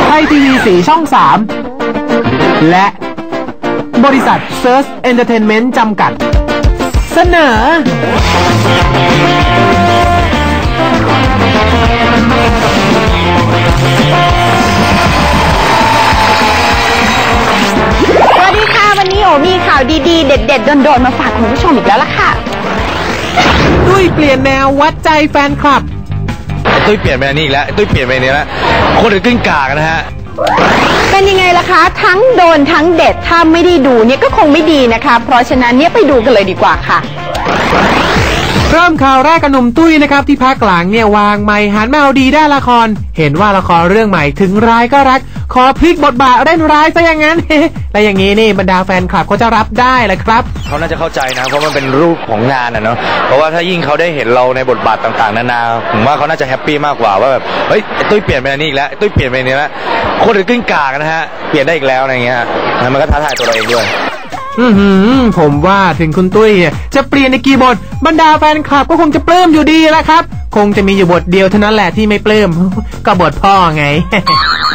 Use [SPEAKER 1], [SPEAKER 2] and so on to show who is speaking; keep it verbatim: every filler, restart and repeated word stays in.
[SPEAKER 1] ไทยทีวีสีช่องสามและบริษัท Search Entertainment จำกัดเสนอ
[SPEAKER 2] สวัสดีค่ะวันนี้โอมีข่าวดีๆเด็ดๆโดนๆมาฝากคุณผู้ชมอีกแล้วล่ะค่ะ
[SPEAKER 1] ตุ้ยเปลี่ยนแนววัดใจแฟนคลับ
[SPEAKER 3] ตุ้ยเปลี่ยนไปนี่อีกแล้วตุ้ยเปลี่ยนไปนี่แล้วคนอื่นกึ่งกากนะฮะ
[SPEAKER 2] เป็นยังไงล่ะคะทั้งโดนทั้งเด็ดถ้าไม่ได้ดูเนี่ยก็คงไม่ดีนะคะเพราะฉะนั้นเนี่ยไปดูกันเลยดีกว่าค่ะ
[SPEAKER 1] เริ่มข่าวแรกกับหนุ่มตุ้ยนะครับที่พักหลังเนี่ยวางไมค์หันมาเอาดีด้านละครเห็นว่าละครเรื่องใหม่ถึงร้ายก็รักขอพลิกบทบาทเล่นร้ายซะอย่างนั้น และอย่างนี้นี่บรรดาแฟนคลับเขาจะรับได้แหละครับ
[SPEAKER 3] เขาน่าจะเข้าใจนะเพราะมันเป็นรูปของงานอ่ะเนาะเพราะว่าถ้ายิ่งเขาได้เห็นเราในบทบาทต่างๆนานาผมว่าเขาน่าจะแฮปปี้มากกว่าว่าแบบเฮ้ยตุ้ยเปลี่ยนไปนี่อีกแล้วตุ้ยเปลี่ยนไปนี่แล้วคนอื่นกึ่งกากนะฮะเปลี่ยนได้อีกแล้วอะไรเงี้ยมันก็ท้าทายตัวเราเองด้วย
[SPEAKER 1] อือหือผมว่าถึงคุณตุ้ยจะเปลี่ยนในกี่บทบรรดาแฟนคลับก็คงจะปลื้มอยู่ดีแหละครับคงจะมีอยู่บทเดียวเท่านั้นแหละที่ไม่ปลื้มก็บทพ่อไง